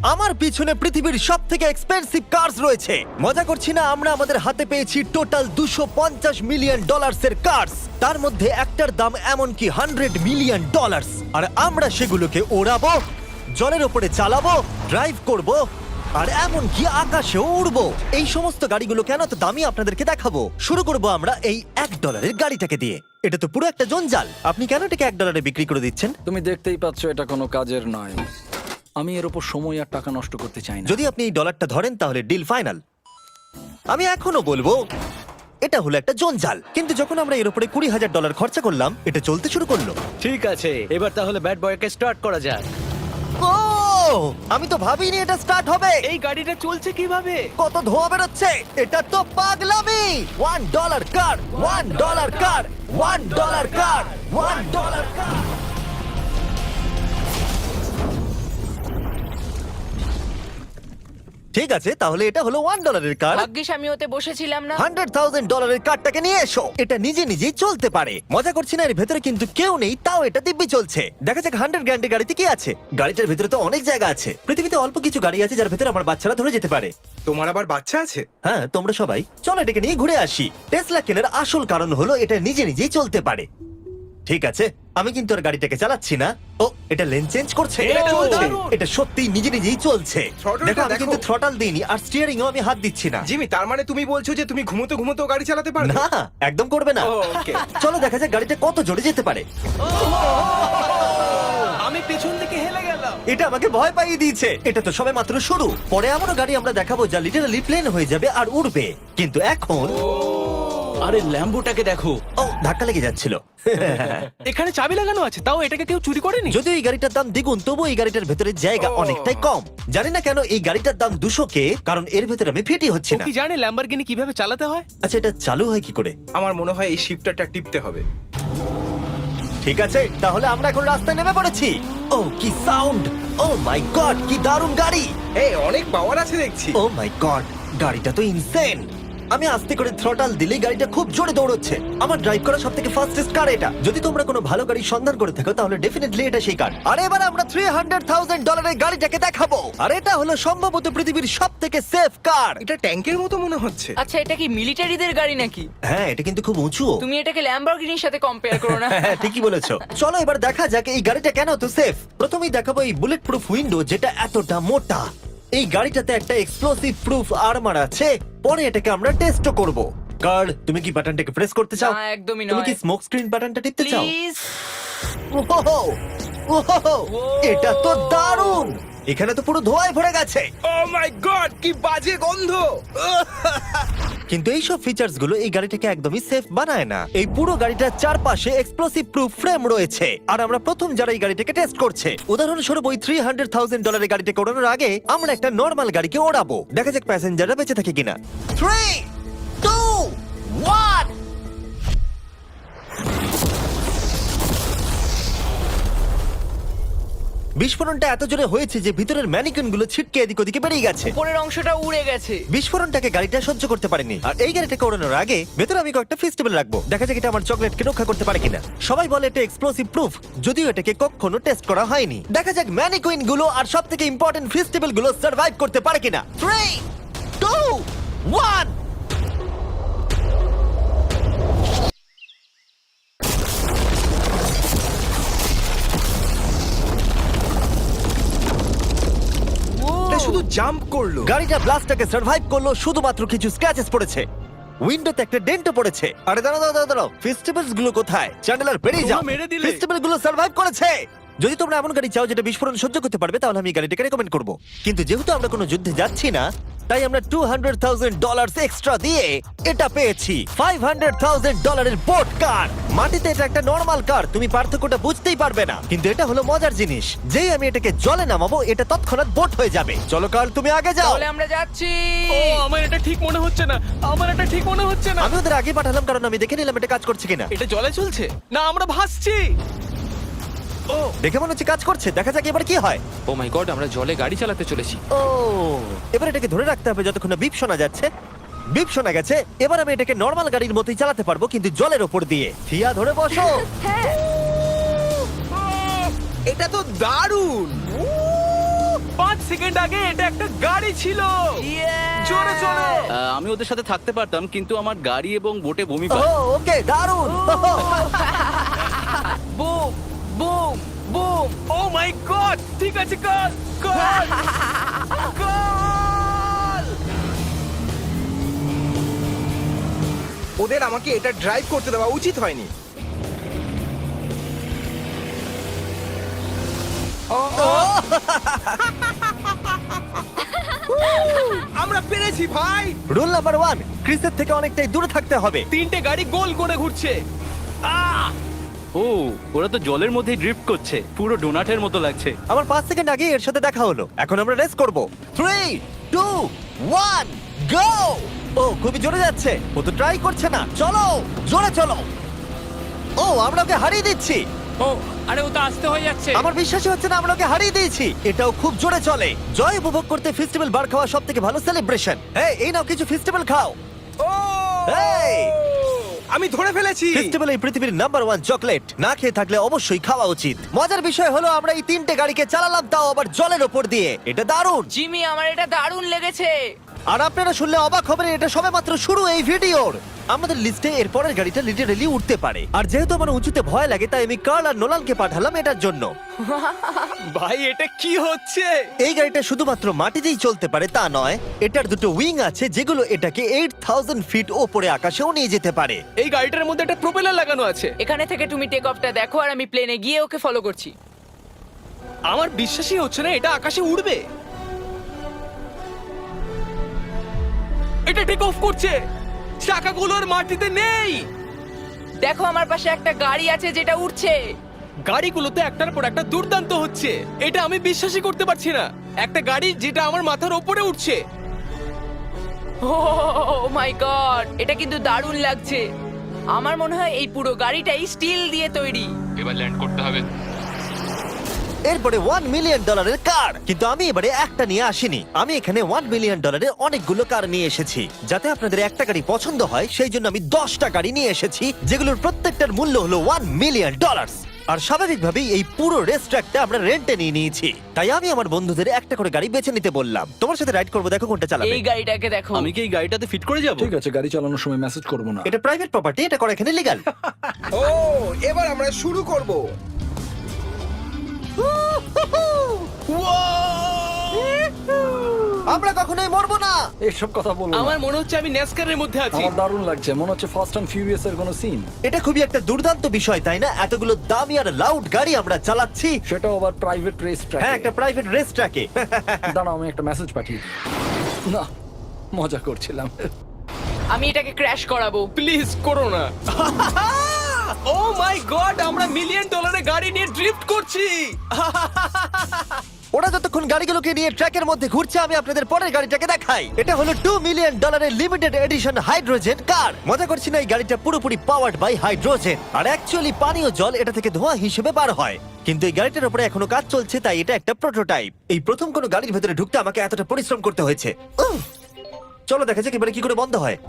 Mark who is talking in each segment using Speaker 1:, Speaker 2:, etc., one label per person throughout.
Speaker 1: আমার পিছনে পৃথিবীর সব থেকে এক্সপেন্সিভ কার্স রয়েছে। মজা করছি না, আমরা আমাদের হাতে পেয়েছি টোটাল $250 মিলিয়ন এর কার্স। তার মধ্যে একটার দাম এমনকি $100 মিলিয়ন। আর আমরা সেগুলোকে ওড়াবো, জলের ওপরে চালাবো, ড্রাইভ করব, আর এমনকি আকাশেও উড়বো। এই সমস্ত গাড়িগুলো কেন তো দামি আপনাদেরকে দেখাবো। শুরু করব আমরা এই $1 গাড়িটাকে দিয়ে। এটা তো পুরো একটা জঞ্জাল। আপনি কেন এটাকে $1 বিক্রি করে দিচ্ছেন?
Speaker 2: তুমি দেখতেই পাচ্ছ এটা কোনো কাজের নয়। আমি এর উপর সময় আর টাকা নষ্ট করতে চাই না।
Speaker 1: যদি আপনি এই ডলারটা ধরেন তাহলে ডিল ফাইনাল। আমি এখনো বলবো এটা হলো একটা জঞ্জাল, কিন্তু যখন আমরা এর উপরে $20,000 খরচা করলাম, এটা চলতে শুরু করলো।
Speaker 3: ঠিক আছে, এবার তাহলে ব্যাড বয়কে স্টার্ট করা যাক।
Speaker 1: ও, আমি তো ভাবিনি এটা স্টার্ট হবে।
Speaker 3: এই গাড়িটা চলছে কিভাবে?
Speaker 1: কত ধোঁয়া বেরোচ্ছে, এটা তো পাগলামি। $1 কার, $1 কার, $1 কার, $1 কার। ঠিক আছে, তাহলে এটা হলো $1 কার।
Speaker 4: ভাগ্যিস আমি ওতে বসেছিলাম না।
Speaker 1: $100,000 কারটাকে নিয়ে এসো। এটা নিজে নিজেই চলতে পারে। মজা করছি না, এর ভেতরে কিন্তু কেউ নেই, তাও এটা দিব্যি চলছে। দেখা যাক 100 গ্র্যান্ডের গাড়িতে কি আছে। গাড়িটার ভেতরে তো অনেক জায়গা আছে। পৃথিবীতে অল্প কিছু গাড়ি আছে যার ভেতরে আমার বাচ্চারা ধরে যেতে পারে।
Speaker 5: তোমার আবার বাচ্চা আছে?
Speaker 1: হ্যাঁ, তোমরা সবাই চলো এটাকে নিয়ে ঘুরে আসি। টেসলা কেনার আসল কারণ হলো এটা নিজে নিজেই চলতে পারে। ঠিক আছে, আমি কিন্তু আর গাড়িটাকে চালাচ্ছি না। ও, এটা লেন চেঞ্জ করছে।
Speaker 3: এটা চলছে।
Speaker 1: এটা সত্যি নিজে নিজেই চলছে।
Speaker 5: Throttle-টা
Speaker 1: দেখো, আমি
Speaker 5: দেখো।
Speaker 1: কিন্তু থ্রটাল দিইনি, আর স্টিয়ারিংও আমি হাত দিচ্ছি না।
Speaker 5: জিমি, তার মানে তুমি বলছো যে তুমি ঘুমোতে ঘুমোতেও গাড়ি চালাতে পারবে?
Speaker 1: না, একদম করবে না।
Speaker 5: ও, okay.
Speaker 1: চলো দেখা যাক গাড়িটা কত জোরে যেতে পারে।
Speaker 3: আমি পেছন দিকে হেলে গেলাম।
Speaker 1: এটা আমাকে ভয় পাইয়ে দিয়েছে। এটা তো সবে মাত্র শুরু। পরে এমনও গাড়ি আমরা দেখাবো যা লিটারালি প্লেন হয়ে যাবে আর উড়বে। কিন্তু এখন
Speaker 3: আরে ল্যাম্বোটাকে দেখো,
Speaker 1: ও, ধাক্কা লেগে যাচ্ছিল।
Speaker 3: এখানে চাবি লাগানো আছে, তাও এটাকে কেউ চুরি করেনি।
Speaker 1: যদিও এই গাড়িটার দাম দ্বিগুণ, তবু এই গাড়িটার ভেতরে জায়গা অনেকটাই কম। জানি না কেন এই গাড়িটার দাম 200K, কারণ এর ভেতরে আমি ফিটই হচ্ছে
Speaker 3: ও
Speaker 1: না।
Speaker 3: কি জানে ল্যাম্বরগিনি কিভাবে চালাতে হয়?
Speaker 1: আচ্ছা, এটা চালু হয় কি করে?
Speaker 5: আমার মনে হয় এই শিফটারটা টিপতে হবে।
Speaker 1: ঠিক আছে, তাহলে আমরা এখন রাস্তায় নেমে পড়েছি। ও, কি সাউন্ড! ও মাই গড, কি দারুণ গাড়ি!
Speaker 5: এই অনেক পাওয়ার আছে দেখছি।
Speaker 1: ও মাই গড, গাড়িটা তো ইনসেন। আমি আস্তে করে থ্রটাল দিলেই গাড়িটা খুব জোরে দৌড়চ্ছে। আমার ড্রাইভ করা সবথেকে ফাস্টেস্ট কার এটা। যদি তোমরা কোনো ভালো গাড়ির সন্ধান করে থাকো তাহলে ডেফিনেটলি এটা সেই কার। আর এবার আমরা $300,000 গাড়িটাকে দেখাবো। আর এটা হলো সম্ভবত পৃথিবীর সবথেকে সেফ কার।
Speaker 5: এটা ট্যাঙ্কের মতো মনে হচ্ছে।
Speaker 4: আচ্ছা, এটা কি মিলিটারিদের গাড়ি নাকি?
Speaker 1: হ্যাঁ, এটা কিন্তু খুব উঁচু।
Speaker 4: তুমি এটাকে ল্যাম্বরগিনির সাথে কম্পেয়ার করো না।
Speaker 1: হ্যাঁ, ঠিকই বলেছো। চলো এবার দেখা যাক এই গাড়িটা কেন তো সেফ। প্রথমেই দেখাবো এই বুলেট প্রুফ উইন্ডো, যেটা এতটা মোটা। এই গাড়িটাতে একটা এক্সপ্লোসিভ প্রুফ আর্মার আছে। পরে এটাকে আমরা টেস্টও করব। কার, তুমি কি বাটনটাকে প্রেস করতে চাও?
Speaker 4: না, একদমই
Speaker 1: তুমি
Speaker 4: নয়।
Speaker 1: কি স্মোক স্ক্রিন বাটনটা টিপতে চাও?
Speaker 4: প্লিজ।
Speaker 1: ওহো, ওহো, এটা তো দারুণ। এখানে তো পুরো ধোঁয়ায় ভরে গেছে।
Speaker 5: ও মাই গড, কি বাজে গন্ধ!
Speaker 1: কিন্তু এইসব ফিচার্স গুলো এই গাড়িটাকে একদমই সেফ বানায় না। এই পুরো গাড়িটার চারপাশে এক্সপ্লোসিভ প্রুফ ফ্রেম রয়েছে, আর আমরা প্রথম যারা এই গাড়িটাকে টেস্ট করছে। উদাহরণস্বরূপ ওই $300,000 গাড়িটাকে ওড়ানোর আগে আমরা একটা নর্মাল গাড়িকে ওড়াবো। দেখা যাক প্যাসেঞ্জাররা বেঁচে থাকে কিনা। 3, 2, 1। বিস্ফোরণটা এত জোরে হয়েছে যে ভিতরের ম্যানিকুইন গুলো ছিটকে এদিক ওদিকে বেরিয়ে গেছে।
Speaker 4: উপরের অংশটা উড়ে গেছে।
Speaker 1: বিস্ফোরণটাকে গাড়িটা সহ্য করতে পারেনি। আর এই গাড়িটাকে ওড়ানোর আগে ভেতরে আমি কয়েকটা ফেস্টিভ্যাল রাখবো। দেখা যাক এটা আমার চকলেটকে রক্ষা করতে পারে কিনা। সবাই বলে এটা এক্সপ্লোসিভ প্রুফ, যদিও এটাকে কখনো টেস্ট করা হয়নি। দেখা যাক ম্যানিকুইন গুলো আর সবথেকে ইম্পর্টেন্ট ফেস্টিভ্যাল গুলো সার্ভাইভ করতে পারে কিনা। 3, 2, 1।
Speaker 5: এটা শুধু জাম্প করলো।
Speaker 1: গাড়িটা ব্লাস্টটাকে সার্ভাইভ করলো, শুধুমাত্র কিছু স্ক্র্যাচেস পড়েছে। উইন্ডোতে একটা ডেন্টও পড়েছে। আরে দাঁড়াও দাঁড়াও দাঁড়াও, ফেস্টিভ্যালস গুলো কোথায়? চ্যান্ডেলার বেরিয়ে যাও।
Speaker 3: তোমরা মেরে দিলে।
Speaker 1: ফেস্টিভ্যাল গুলো সার্ভাইভ করেছে। যদি তোমরা এমন গাড়ি চাও যেটা বিস্ফোরণ সহ্য করতে পারবে, তাহলে আমি এই গাড়িটাকে রেকমেন্ড করব। কিন্তু যেহেতু আমরা কোনো যুদ্ধে যাচ্ছি না, তাই আমরা $200,000 এক্সট্রা দিয়ে এটা পেয়েছি। $500,000 এর বোট কার। মাটিতে এটা একটা নর্মাল কার, তুমি পার্থক্যটা বুঝতেই পারবে না। কিন্তু এটা হলো মজার জিনিস, যেই আমি এটাকে জলে নামাবো এটা তৎক্ষণাৎ বোট হয়ে যাবে। চলো কার, তুমি আগে যাও।
Speaker 4: তাহলে আমরা যাচ্ছি।
Speaker 3: ও, আমার এটা ঠিক মনে হচ্ছে না, আমার এটা ঠিক মনে হচ্ছে না।
Speaker 1: আমি ওদের আগে পাঠালাম কারণ আমি দেখে নিলাম এটা কাজ করছে কিনা।
Speaker 3: এটা জলে চলছে না, আমরা ভাসছি। ও,
Speaker 1: দেখে মনে হচ্ছে কাজ করছে। দেখা যাক এবার কি হয়।
Speaker 6: ও মাই গড, আমরা জলে গাড়ি চালাতে চলেছি।
Speaker 1: ও, এবার এটাকে ধরে রাখতে হবে যতক্ষণ না বিপ শোনা যাচ্ছে। বিপ শোনা গেছে। এবার আমি এটাকে নর্মাল গাড়ির মতোই চালাতে পারবো, কিন্তু জলের ওপর দিয়ে। থিয়া, ধরে বসো।
Speaker 5: এটা তো দারুণ।
Speaker 3: 5 সেকেন্ড আগে এটা একটা গাড়ি ছিল। জোরে চলো।
Speaker 7: আমি ওদের সাথে থাকতে পারতাম কিন্তু আমার গাড়ি এবং বোটে বমি
Speaker 1: ও
Speaker 7: পায়।
Speaker 1: ওকে দারুণ
Speaker 4: boom boom boom.
Speaker 3: Oh my god, ঠিক আছে, কর কর কর।
Speaker 5: ওদের আমাকে এটা ড্রাইভ করতে দেওয়া উচিত হয়নি। আমরা পেরেছি ভাই।
Speaker 1: রুল নাম্বার 1, ক্রিসের থেকে অনেকটাই দূরে থাকতে হবে।
Speaker 3: 3টে গাড়ি গোল করে ঘুরছে। আহ!
Speaker 7: ও ওরা তো জলের মধ্যেই ড্রিফট করছে, পুরো ডোনাটের মতো লাগছে।
Speaker 1: আমার 5 সেকেন্ড আগে এর সাথে দেখা হলো। এখন আমরা রেস করব। 3 2 1 গো! ও খুবই জোরে যাচ্ছে। ও তো ট্রাই করছে না। চলো জোরে চলো। ও আমরা ওকে হারিয়ে দিচ্ছি।
Speaker 6: ও আরে ও তো আসতে হয়ে যাচ্ছে।
Speaker 1: আমার বিশ্বাসই হচ্ছে না আমরা ওকে হারিয়ে দিয়েছি। এটাও খুব জোরে চলে। জয় উপভোগ করতে ফেস্টিভ্যাল বার খাওয়া সব থেকে ভালো সেলিব্রেশন। এই নাও কিছু ফেস্টিভ্যাল খাও।
Speaker 5: ও
Speaker 1: এই!
Speaker 5: আমি ধরে ফেলেছি।
Speaker 1: ফেস্টিভ্যাল এই পৃথিবীর নাম্বার 1 চকলেট। না খেয়ে থাকলে অবশ্যই খাওয়া উচিত। মজার বিষয় হলো আমরা এই 3টে গাড়িকে চালালাম, তাও আবার জলের ওপর দিয়ে। এটা দারুণ।
Speaker 4: জিমি, আমার এটা দারুণ লেগেছে।
Speaker 1: আর আপনারা শুনলে অবাক হবেন, এটা সবেমাত্র শুরু এই ভিডিওর। আমাদের লিস্টে এর পরের গাড়িটা লিটারেলি উঠতে পারে। আর যেহেতু আমার উঁচুতে ভয় লাগে, তাই আমি কার্ল আর নোলানকে পাঠালাম এটার জন্য।
Speaker 3: ভাই এটা কি হচ্ছে?
Speaker 1: এই গাড়িটা শুধুমাত্র মাটিতেই চলতে পারে তা নয়, এটার দুটো উইং আছে যেগুলো এটাকে 8000 ফিট ওপরে আকাশেও নিয়ে যেতে পারে।
Speaker 3: এই গাড়িটার মধ্যে একটা প্রপেলার লাগানো আছে।
Speaker 4: এখানে থেকে তুমি টেক অফটা দেখো আর আমি প্লেনে গিয়ে ওকে ফলো করছি।
Speaker 3: আমার বিশ্বাসই হচ্ছে না এটা আকাশে উড়বে। এটা টেক অফ করছে, চাকাগুলোর মাটিতে নেই।
Speaker 4: দেখো আমার পাশে একটা গাড়ি আছে যেটা উঠছে।
Speaker 3: গাড়িগুলোতে একটার পর একটা দুর্দান্ত হচ্ছে। এটা আমি বিশ্বাসই করতে পারছি না। একটা গাড়ি যেটা আমার মাথার ওপরে উঠছে।
Speaker 4: ও মাই গড, এটা কিন্তু দারুণ লাগছে। আমার মনে হয় এই পুরো গাড়িটাই স্টিল দিয়ে তৈরি।
Speaker 6: এবার ল্যান্ড করতে হবে।
Speaker 1: এরপরে $1 মিলিয়ন কার। কিন্তু আমি এবারে একটা নিয়ে আসিনি। আমি এখানে $1 মিলিয়ন অনেকগুলো কার নিয়ে এসেছি। যাতে আপনাদের একটা গাড়ি পছন্দ হয় সেই জন্য আমি 10টা গাড়ি নিয়ে এসেছি, যেগুলোর প্রত্যেকটার মূল্য হলো $1 মিলিয়ন। আর স্বাভাবিকভাবেই এই পুরো রেস ট্র্যাকটা আমরা রেন্টে নিয়ে নিয়েছি। তাই আমি আমার বন্ধুদের একটা করে গাড়ি বেছে নিতে বললাম। তোমার সাথে রাইড করবো, দেখো কোনটা চালাবে।
Speaker 4: এই গাড়িটাকে দেখো।
Speaker 7: আমি কি এই গাড়িটাতে ফিট করে যাব?
Speaker 2: ঠিক আছে, গাড়ি চালানোর সময় মেসেজ করবো না।
Speaker 1: এটা প্রাইভেট প্রপার্টি, এটা করা এখানে লিগ্যাল।
Speaker 5: ও এবার আমরা শুরু করব।
Speaker 1: আমরা কখনোই মরবো না।
Speaker 2: এসব কথা বলো না।
Speaker 3: আমার মনে হচ্ছে আমি ন্যাসকারের মধ্যে আছি।
Speaker 2: আমার দারুণ লাগছে, মনে হচ্ছে ফাস্ট অ্যান্ড ফিউরিয়াস এর কোনো সিন।
Speaker 1: এটা খুবই একটা দুর্দান্ত বিষয়, তাই না? এতগুলো দামি আর লাউড গাড়ি আমরা চালাচ্ছি।
Speaker 2: সেটাও আবার প্রাইভেট রেস ট্র্যাক।
Speaker 1: হ্যাঁ, একটা প্রাইভেট রেস ট্র্যাকে।
Speaker 2: দাঁড়াও, আমি একটা মেসেজ পাঠিয়ে দিই। না, মজা করছিলাম।
Speaker 4: আমি এটাকে ক্র্যাশ করাবো।
Speaker 3: প্লিজ করো না। ও মাই গড, আমরা $1 মিলিয়ন গাড়ি নিয়ে ড্রিফট করছি।
Speaker 1: ওরা যতক্ষণ গাড়িগুলোকে নিয়ে ট্র্যাকের মধ্যে ঘুরছে, আমি আপনাদের পরের গাড়িটাকে দেখাই। এটা হলো $2 million limited edition hydrogen car. মজা করছি না, এই গাড়িটা পুরোপুরি পাওয়ার্ড বাই হাইড্রোজেন। আর অ্যাকচুয়ালি পানীয় জল এটা থেকে ধোঁয়া হিসেবে বার হয়। কিন্তু এই গাড়িটার উপরে এখনো কাজ চলছে, তাই এটা একটা প্রোটোটাইপ। এই প্রথম কোনো গাড়ির ভেতরে ঢুকতে আমাকে এতটা পরিশ্রম করতে হয়েছে। চলো দেখা যাক এবারে কি করে বন্ধ হয়।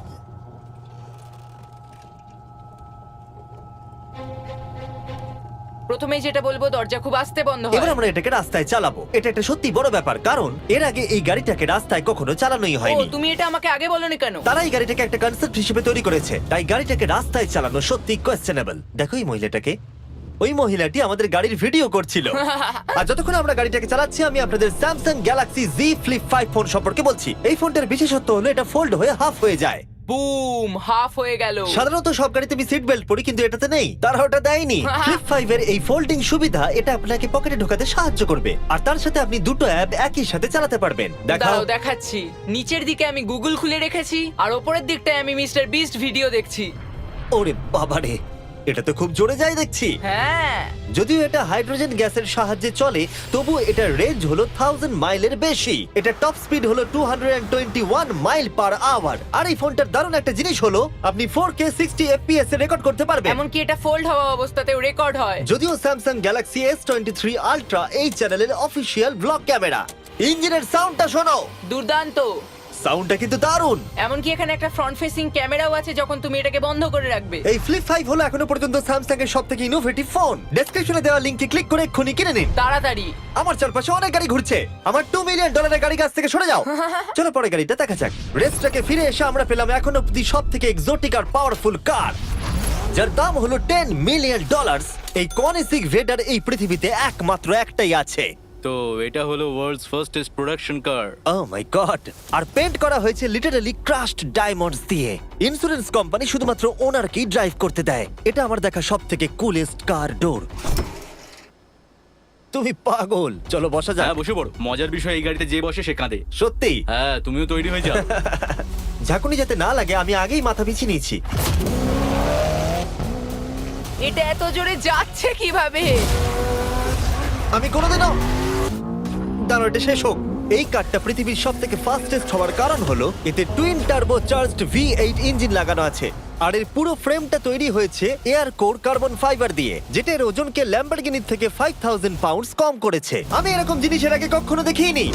Speaker 4: প্রথমেই যেটা বলবো, দরজা খুব আস্তে বন্ধ
Speaker 1: এবার
Speaker 4: হয়।
Speaker 1: আমরা এটাকে রাস্তায় চালাবো। এটা একটা সত্যি বড় ব্যাপার, কারণ এর আগে এই গাড়িটাকে রাস্তায় কখনো চালানোই
Speaker 4: ও,
Speaker 1: হয়নি।
Speaker 4: তুমি এটা আমাকে আগে বলনি কেন?
Speaker 1: তারা এই গাড়িটাকে একটা কনসেপ্ট হিসেবে তৈরি করেছে, তাই গাড়িটাকে রাস্তায় চালানো সত্যি কোয়েশ্চেনেবল। দেখো এই মহিলাটাকে। ওই মহিলাটি আমাদের গাড়ির ভিডিও করছিল। আর যতক্ষণ আমরা গাড়িটাকে চালাচ্ছি, আমি আপনাদের Samsung Galaxy Z Flip 5 phone সম্পর্কে বলছি। এই ফোনটার বিশেষত্ব হলো এটা ফোল্ড হয়ে হাফ হয়ে যায়।
Speaker 4: বুম, হাফ হয়ে গেল।
Speaker 1: সাধারণত সব গাড়িতে আমি সিট বেল্ট পরি, কিন্তু এটাতে নেই। তারা ওটা দেয়নি। ফ্লিপ 5 এর এই ফোল্ডিং সুবিধা এটা আপনাকে পকেটে ঢোকাতে সাহায্য করবে। আর তার সাথে আপনি দুটো অ্যাপ একই সাথে চালাতে পারবেন। দেখাও।
Speaker 4: দাঁড়াও দেখাচ্ছি। নিচের দিকে আমি গুগল খুলে রেখেছি, আর ওপরের দিকটায় আমি মিস্টার বিস্ট ভিডিও দেখছি।
Speaker 1: ওরে বাবারে, এটা তো খুব জোরে যায় দেখছি।
Speaker 4: হ্যাঁ,
Speaker 1: যদিও এটা হাইড্রোজেন গ্যাসের সাহায্যে চলে, তবু এটার রেঞ্জ হলো 1000 মাইলের বেশি। এটা টপ স্পিড হলো 221 মাইল পার আওয়ার। আর এই ফোনটার দারুণ একটা জিনিস হলো আপনি 4K 60 FPS এ রেকর্ড করতে পারবেন।
Speaker 4: এমনকি এটা ফোল্ড হওয়া অবস্থাতেও রেকর্ড হয়।
Speaker 1: যদিও স্যামসাং গ্যালাক্সি S23 আলট্রা এই চ্যানেলের অফিসিয়াল ব্লগ ক্যামেরা। ইঞ্জিনের সাউন্ডটা শোনো।
Speaker 4: দুর্দান্ত।
Speaker 1: সাউন্ডটা কিন্তু দারুণ।
Speaker 4: এমনকি এখানে একটা ফ্রন্ট ফেসিং ক্যামেরাও আছে যখন তুমি এটাকে বন্ধ করে রাখবে।
Speaker 1: এই ফ্লিপ 5 হলো এখনো পর্যন্ত স্যামসাং এর সবথেকে ইনোভেটিভ ফোন। ডেসক্রিপশনে দেওয়া লিংকে ক্লিক করে এক্ষুনি কিনে নিন।
Speaker 4: তাড়াতাড়ি।
Speaker 1: আমার চারপাশে অনেক গাড়ি ঘুরছে। আমার $2 মিলিয়ন গাড়ি কাছ থেকে সরে যাও। চলো পরে গাড়িটা দেখা যাক। রেসটাকে ফিরে এসে আমরা পেলাম এখন অব্দি সবথেকে এক্সোটিক আর পাওয়ারফুল কার, যার দাম হলো $10 মিলিয়ন। এই কনিসিক ভেডার এই পৃথিবীতে একমাত্র একটাই আছে।
Speaker 7: তো এটা হলো world's fastest production car.
Speaker 1: Oh my god! আর পেন্ট করা হয়েছে লিটারালি ক্রাশড ডায়মন্ডস দিয়ে। ইন্স্যুরেন্স কোম্পানি শুধুমাত্র ওনারকেই ড্রাইভ করতে দেয়। এটা আমার দেখা সবথেকে কুলেস্ট কার ডোর। তুমি পাগল। চলো বসা যাক।
Speaker 7: হ্যাঁ বসে পড়ো। মজার বিষয় এই গাড়িতে যে বসে সে কাঁদে।
Speaker 1: সত্যি
Speaker 7: হ্যাঁ তুমিও তৈরি হয়ে যাও।
Speaker 1: ঝাঁকুনি যাতে না লাগে আমি আগেই মাথা পিছিয়ে নিয়েছি।
Speaker 4: এটা এত জোরে যাচ্ছে কিভাবে?
Speaker 1: আমি কোনোদিনও দাঁড়ো, এটা শেষ হোক। এই কারটা পৃথিবীর সব থেকে ফাস্টেস্ট হওয়ার কারণ হলো এতে twin turbo charged V8 engine লাগানো আছে। আর এর পুরো ফ্রেমটা তৈরি হয়েছে এয়ার কোর কার্বন ফাইবার দিয়ে, যেটা এর ওজনকে ল্যাম্বরগিনির থেকে 5000 পাউন্ডস কম করেছে। আমি এরকম জিনিসের আগে কখনো দেখিনি।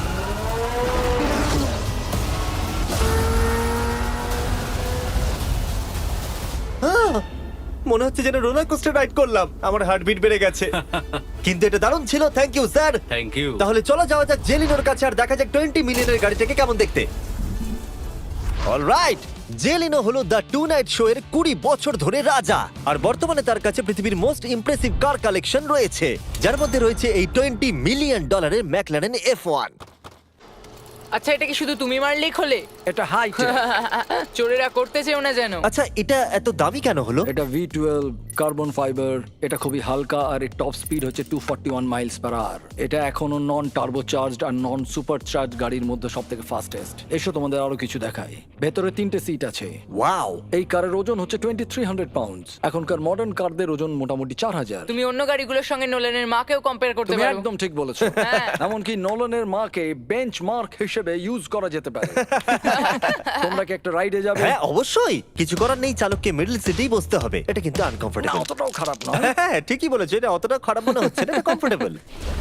Speaker 1: মনে হচ্ছে যেন রোলার কোস্টার রাইড করলাম। আমার হার্টবিট বেড়ে গেছে। কিন্তু এটা দারুণ ছিল। Thank you sir.
Speaker 7: Thank you.
Speaker 1: তাহলে চলো যাওয়া যাক জেলিনোর কাছে আর দেখা যাক 20 মিলিয়নের গাড়িটাকে কেমন দেখতে। অলরাইট, জেলিনো হলো দ্য টু নাইট শো এর 20 বছর ধরে রাজা। আর বর্তমানে তার কাছে পৃথিবীর মোস্ট ইমপ্রেসিভ কার কালেকশন রয়েছে, যার মধ্যে রয়েছে এই $20 মিলিয়ন ম্যাকলারেন F1।
Speaker 4: আচ্ছা, এটা কি শুধু তুমি মারলেই খোলে?
Speaker 2: এটা হাই
Speaker 4: চোরেরা করতে চেও না যেন।
Speaker 1: আচ্ছা, এটা এত দামি কেন হলো?
Speaker 2: এটা V12 কার্বন ফাইবার। এটা খুবই হালকা আর এর টপ স্পিড হচ্ছে 241 মাইলস পার আওয়ার। এটা এখনো নন টার্বো চার্জড আর নন সুপার চার্জ গাড়ির মধ্যে সবথেকে ফাস্টেস্ট। এসো তোমাদের আরো কিছু দেখাই। ভেতরে 3টে সিট আছে।
Speaker 1: ওয়াও!
Speaker 2: এই কারের ওজন হচ্ছে 2300 পাউন্ডস। এখনকার মডার্ন কারদের ওজন মোটামুটি 4000।
Speaker 4: তুমি অন্য গাড়িগুলোর সঙ্গে নোলানের মাকেও কম্পেয়ার করতে
Speaker 2: তুমি
Speaker 4: পারো।
Speaker 2: একদম ঠিক বলেছো।
Speaker 4: হ্যাঁ।
Speaker 2: এমনকি নোলানের মাকে বেঞ্চমার্ক হিসেবে ইউজ করা যেতে পারে। তোমরা কি একটা রাইডে যাবে?
Speaker 1: হ্যাঁ অবশ্যই। কিছু করার নেই, চালককে মিডল সিটেই বসতে হবে। এটা কিন্তু আনকমফোর্টেবল।
Speaker 2: না, অতটাও খারাপ নয়।
Speaker 1: হ্যাঁ ঠিকই বলেছো, এটা অতটা খারাপ মনে হচ্ছে না, এটা কমফোর্টেবল।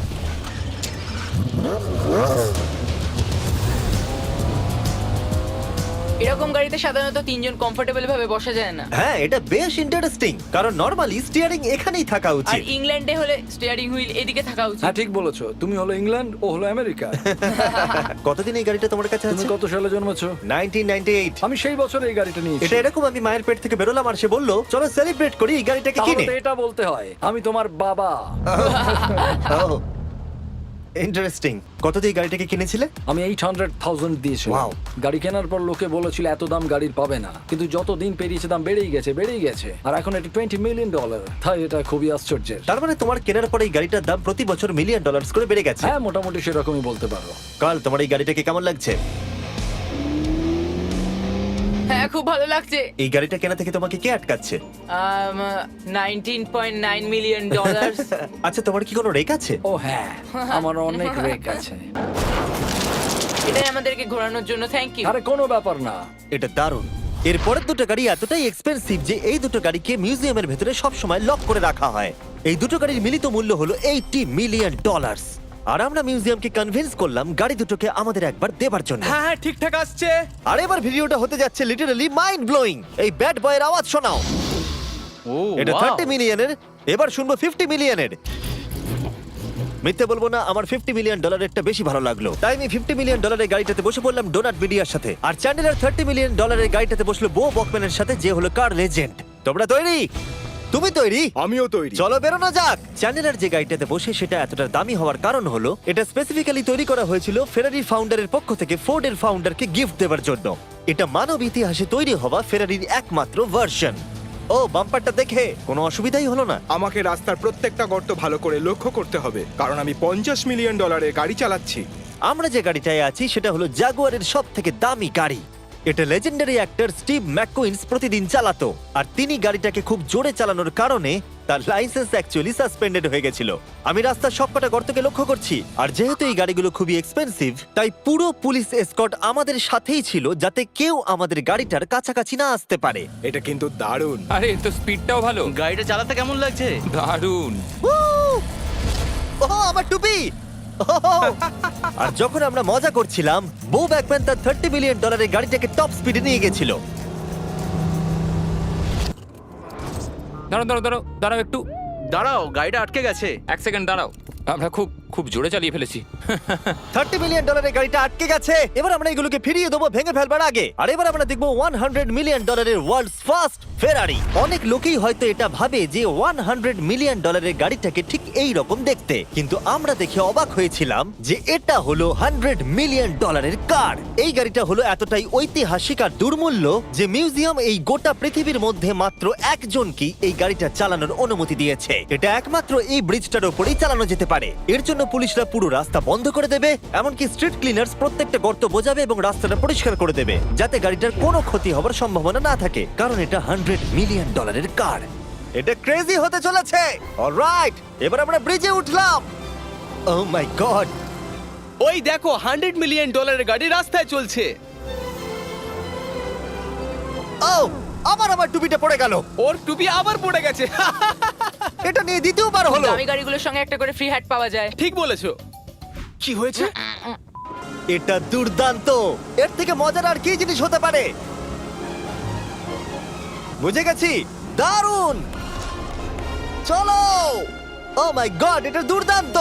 Speaker 4: এরকম গাড়িতে সাধারণত 3 জন কমফোর্টেবল ভাবে বসা যায় না।
Speaker 1: হ্যাঁ এটা বেশ ইন্টারেস্টিং, কারণ নরমালি স্টিয়ারিং এখানেই থাকা
Speaker 4: আর
Speaker 1: উচিত।
Speaker 4: ইংল্যান্ডে হলে স্টিয়ারিং হুইল এদিকে থাকা উচিত।
Speaker 2: হ্যাঁ ঠিক বলেছো। তুমি হলো ইংল্যান্ড, ও হলো আমেরিকা।
Speaker 1: কতদিন এই গাড়িটা তোমার কাছে
Speaker 2: তুমি
Speaker 1: আছে?
Speaker 2: কত সালে জন্মেছো?
Speaker 1: 1998।
Speaker 2: আমি সেই বছর এই গাড়িটা নিয়েছি।
Speaker 1: এটা এরকম আমি মায়ের পেট থেকে বেরোলাম আর সে বললো চলো সেলিব্রেট করি এই গাড়িটাকে
Speaker 2: তাহলে
Speaker 1: কিনে।
Speaker 2: তো এটা বলতে হয় আমি তোমার বাবা।
Speaker 1: ইন্টারেস্টিং। কত দিয়ে এই গাড়িটাকে কিনেছিলে?
Speaker 2: আমি 800,000 দিয়েছিলাম।
Speaker 1: Wow.
Speaker 2: গাড়ি কেনার পর লোকে বলেছিল এত দাম গাড়ির পাবে না, কিন্তু যত দিন পেরিয়েছে দাম বেড়েই গেছে। আর এখন এটা $20 মিলিয়ন। তাই এটা খুবই আশ্চর্যের।
Speaker 1: তার মানে তোমার কেনার পরে এই গাড়িটার দাম প্রতি বছর $1 মিলিয়ন করে বেড়ে গেছে।
Speaker 2: হ্যাঁ মোটামুটি সেরকমই বলতে পারো।
Speaker 1: কাল তোমার এই গাড়িটাকে কেমন লাগছে?
Speaker 4: হ্যাঁ খুব ভালো লাগছে।
Speaker 1: এই গাড়িটা কেনা থেকে তোমাকে কে আটকাচ্ছে?
Speaker 4: $19.9 মিলিয়ন।
Speaker 1: আচ্ছা তোমার কি কোনো রেক আছে?
Speaker 2: ও হ্যাঁ, আমার অনেক রেক আছে।
Speaker 4: এটাই আমাদেরকে ঘোরানোর জন্য থ্যাংক ইউ।
Speaker 2: আরে কোনো ব্যাপার না।
Speaker 1: এটা দারুণ। এরপরের দুটো গাড়ি এতটাই এক্সপেন্সিভ যে এই দুটো গাড়িকে মিউজিয়ামের ভেতরে সব সময় লক করে রাখা হয়। এই দুটো গাড়ির মিলিত মূল্য হলো $80 মিলিয়ন। আর আমরা মিউজিয়ামকে কনভিন্স করলাম গাড়ি দুটোকে আমাদের একবার দেবার জন্য।
Speaker 3: হ্যাঁ হ্যাঁ ঠিকঠাক আসছে।
Speaker 1: আর এবার ভিডিওটা হতে যাচ্ছে লিটারালি মাইন্ড ব্লোয়িং। এই ব্যাড বয়ের আওয়াজ শোনাও।
Speaker 7: ও
Speaker 1: এটা
Speaker 7: wow!
Speaker 1: 30 মিলিয়নের, এবার শুনবো 50 মিলিয়নের। মিথ্যে বলবো না, আমার $50 মিলিয়ন বেশি ভালো লাগলো। তাই আমি $50 মিলিয়ন গাড়িটাতে বসে পড়লাম ডোনাট মিডিয়ার সাথে। আর চ্যান্ডেলার $30 মিলিয়ন গাড়িটাতে বসলো বো বকম্যানের সাথে, যে হলো কার লেজেন্ড। তোমরা তৈরি? তুমি তৈরি?
Speaker 5: আমিও তৈরি।
Speaker 1: চলো বেরোনো যাক। চ্যান্ডেলার যে গাড়িটাতে বসে সেটা এতটা দামি হওয়ার কারণ হলো এটা স্পেসিফিক্যালি তৈরি করা হয়েছিল ফেরারি ফাউন্ডারের পক্ষ থেকে ফোর্ডের ফাউন্ডারকে গিফট দেওয়ার জন্য। এটা মানব ইতিহাসে তৈরি হওয়া ফেরারির একমাত্র ভার্সন। ও বাম্পারটা দেখে কোনো অসুবিধাই হলো না।
Speaker 5: আমাকে রাস্তার প্রত্যেকটা গর্ত ভালো করে লক্ষ্য করতে হবে, কারণ আমি $50 মিলিয়ন গাড়ি চালাচ্ছি।
Speaker 1: আমরা যে গাড়িটায় আছি সেটা হলো জাগুয়ারের সব থেকে দামি গাড়ি। এটা লেজেন্ডারি অ্যাক্টর স্টিভ ম্যাককুইন্স প্রতিদিন চালাতো। আর তিনি গাড়িটাকে খুব জোরে চালানোর কারণে তার লাইসেন্স অ্যাকচুয়ালি সাসপেন্ডেড হয়ে গেছিল। আমি রাস্তার সবকটা গর্তকে লক্ষ্য করছি। আর যেহেতু এই গাড়িগুলো খুবই এক্সপেন্সিভ, তাই পুরো পুলিশ এসকর্ট আমাদের সাথেই ছিল, যাতে কেউ আমাদের গাড়িটার কাছাকাছি না আসতে পারে।
Speaker 5: এটা কিন্তু দারুণ।
Speaker 6: আরে এর তো স্পিডটাও ভালো।
Speaker 7: গাড়িটা চালাতে কেমন লাগছে?
Speaker 6: দারুণ।
Speaker 1: ও আমার টুপি! আর যখন আমরা মজা করছিলাম, বো ব্যাকম্যান তার $30 মিলিয়ন গাড়িটাকে টপ স্পিডে নিয়ে গেছিল।
Speaker 6: দাঁড়াও দাঁড়াও দাঁড়াও দাঁড়াও একটু
Speaker 7: দাঁড়াও, গাড়িটা আটকে গেছে।
Speaker 6: এক সেকেন্ড দাঁড়াও, আমরা খুব খুব জোরে চালিয়ে ফেলেছি।
Speaker 1: $30 মিলিয়ন গাড়িটা আটকে গেছে। এবার আমরা এগুলোকে ফিরিয়ে দেবো ভেঙে ফেলবার আগে। আর এবার আমরা দেখবো $100 মিলিয়ন ওয়ার্ল্ডস ফার্স্ট ফেরারি। অনেক লোকেই হয়তো এটা ভাবে যে $100 মিলিয়ন গাড়িটাকে ঠিক এই রকম দেখতে, কিন্তু আমরা দেখে অবাক হয়েছিলাম যে এটা হলো $100 মিলিয়ন কার। এই গাড়িটা হলো এতটাই ঐতিহাসিক আর দুর্মূল্য যে মিউজিয়াম এই গোটা পৃথিবীর মধ্যে মাত্র একজনকেই এই গাড়িটা চালানোর অনুমতি দিয়েছে। এটা একমাত্র এই ব্রিজটার উপরেই চালানো যেতে পারে। এর জন্য পুলিশরা পুরো রাস্তা বন্ধ করে দেবে, এমনকি স্ট্রিট ক্লিনার্স প্রত্যেকটা গর্ত বোঝাবে এবং রাস্তাটা পরিষ্কার করে দেবে, যাতে গাড়িটার কোনো ক্ষতি হবার সম্ভাবনা না থাকে, কারণ এটা $100 মিলিয়ন কার। এটা ক্রেজি হতে চলেছে। অলরাইট, এবার আমরা ব্রিজে উঠলাম। ও মাই গড,
Speaker 3: ওই দেখো $100 মিলিয়ন গাড়ি রাস্তায় চলছে।
Speaker 1: ও আবার আমার টুপিটা পড়ে গেল।
Speaker 3: ওর টুপি আবার পড়ে গেছে।
Speaker 1: এটা নিয়ে দ্বিতীয়বার হলো।
Speaker 4: দামি গাড়িগুলোর সঙ্গে একটা করে ফ্রি হ্যাট পাওয়া যায়।
Speaker 3: ঠিক বলেছো। কি হয়েছে?
Speaker 1: এটা দুর্দান্ত। এর থেকে মজার আর কি জিনিস হতে পারে? বুঝে গেছি, দারুণ। চলো। ও মাই গড, এটা দুর্দান্ত।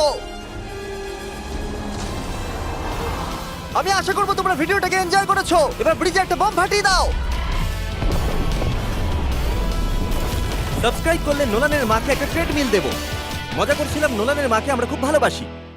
Speaker 1: আমি আশা করবো তোমরা ভিডিওটাকে এনজয় করেছো। এবার ব্রিজে একটা বম ফাটিয়ে দাও। সাবস্ক্রাইব করলে নোলানের মাকে একটা ট্রেডমিল দেবো। মজা করছিলাম, নোলানের মাকে আমরা খুব ভালোবাসি।